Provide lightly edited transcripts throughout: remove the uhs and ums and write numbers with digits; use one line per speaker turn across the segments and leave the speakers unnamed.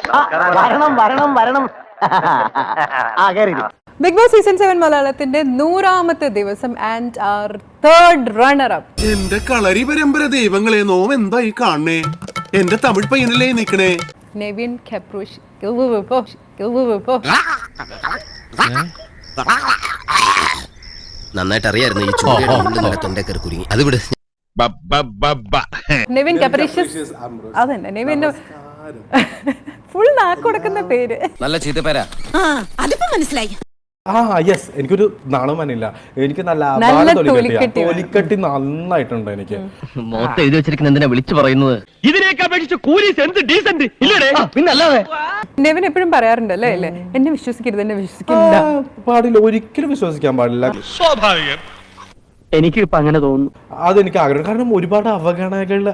വരണം.
Big boss season 7 മലയാളത്തിന്റെ 100ാമത്തെ ദിവസം and our third runner up.
എന്റെ കളരി പരമ്പര ദൈവങ്ങളെ നോം എന്തായി കാണണേ? എന്റെ തമിഴ് പയ്യനല്ലേ നിക്കണേ?
നെവിൻ കെപ്രൂഷ്.
നന്നായിട്ട് അറിയായിരുന്നു ഈ ചൂടിയുടെ തൊണ്ടക്കറി കുരുങ്ങി. അത് വിട്.
നെവിൻ കെപ്രീഷ്യസ്. അതന്നെ നെവിൻ ഫുൾ നാക്ക് കൊടുക്കുന്ന പേര്.
നല്ല ചീത്തപ്പേരാ.
അതിപ്പോ മനസ്സിലായി.
യെസ്, എനിക്കൊരു നാണുമാനില്ല. എനിക്ക് നല്ല തൊലിക്കട്ടി നന്നായിട്ടുണ്ട്. എനിക്ക്
മൊത്തം എഴുതി വെച്ചിരിക്കുന്ന എന്തിനാ വിളിച്ചു പറയുന്നത്? ഇതിനേക്ക് അപേക്ഷിച്ച് കൂലീസ് എന്ത് ഡീസന്റ് ഇല്ലേ? പിന്നല്ലാതെ
നെവിൻ എപ്പോഴും പറയാറുണ്ടല്ലേ അല്ലേ, എന്നെ വിശ്വസിക്കരുത്, എന്നെ വിശ്വസിക്കില്ല.
പാടില്ല, ഒരിക്കലും വിശ്വസിക്കാൻ പാടില്ല.
സ്വാഭാവികം. എനിക്ക് ഇപ്പൊ അങ്ങനെ തോന്നുന്നു.
അതെനിക്ക് ആഗ്രഹം. കാരണം ഒരുപാട് അവഗണന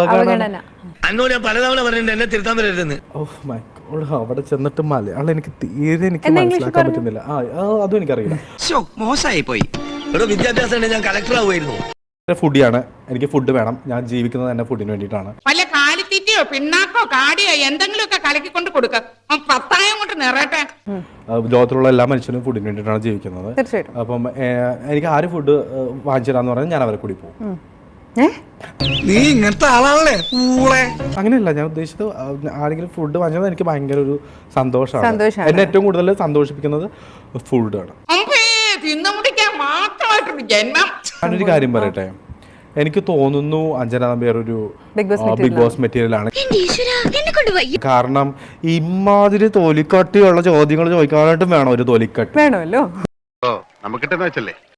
അവിടെ ചെന്നിട്ട് മലയാളം എനിക്ക് തീരെ എനിക്ക് മനസ്സിലാക്കാൻ പറ്റുന്നില്ല. അതും എനിക്കറിയില്ല.
മോശമായി പോയി. വിദ്യാഭ്യാസം ഞാൻ കളക്ടർ ആവുമായിരുന്നു.
ഫുഡിയാണ്, എനിക്ക് ഫുഡ് വേണം. ഞാൻ ജീവിക്കുന്നത് തന്നെ ഫുഡിന് വേണ്ടിയിട്ടാണ്.
വല്ല കാലിത്തീറ്റയോ പിണ്ണാക്കോ കാടിയോ എന്തെങ്കിലുമൊക്കെ കലക്കിക്കൊണ്ട് കൊടുക്ക, പത്തായം കൊണ്ട് നിറയട്ടെ.
ലോകത്തിലുള്ള എല്ലാ മനുഷ്യരും ഫുഡിന് വേണ്ടിയിട്ടാണ് ജീവിക്കുന്നത്. അപ്പം എനിക്ക് ആര് ഫുഡ് വാങ്ങിച്ചു തരാന്ന് പറഞ്ഞാൽ ഞാൻ അവരെ കൂടി പോകും.
നീ ഇങ്ങനത്തെ ആളാണല്ലേ?
അങ്ങനെയല്ല, ഞാൻ ഉദ്ദേശിച്ചത് ആരെങ്കിലും ഫുഡ് വാങ്ങിച്ചത് എനിക്ക് ഭയങ്കര ഒരു സന്തോഷമാണ്. എന്നെ ഏറ്റവും കൂടുതൽ സന്തോഷിപ്പിക്കുന്നത് ഫുഡാണ്. ഞാനൊരു കാര്യം പറയട്ടെ, എനിക്ക് തോന്നുന്നു അഞ്ജന നമ്പ്യാർ ഒരു ബിഗ് ബോസ് മെറ്റീരിയൽ ആണ്. കാരണം ഇമാതിരി തൊലിക്കട്ടിയുള്ള ചോദ്യങ്ങൾ ചോദിക്കാനായിട്ടും വേണം ഒരു തൊലിക്കട്ടി.
വേണമല്ലോ.
നമുക്കിട്ടെന്ന് വെച്ചല്ലേ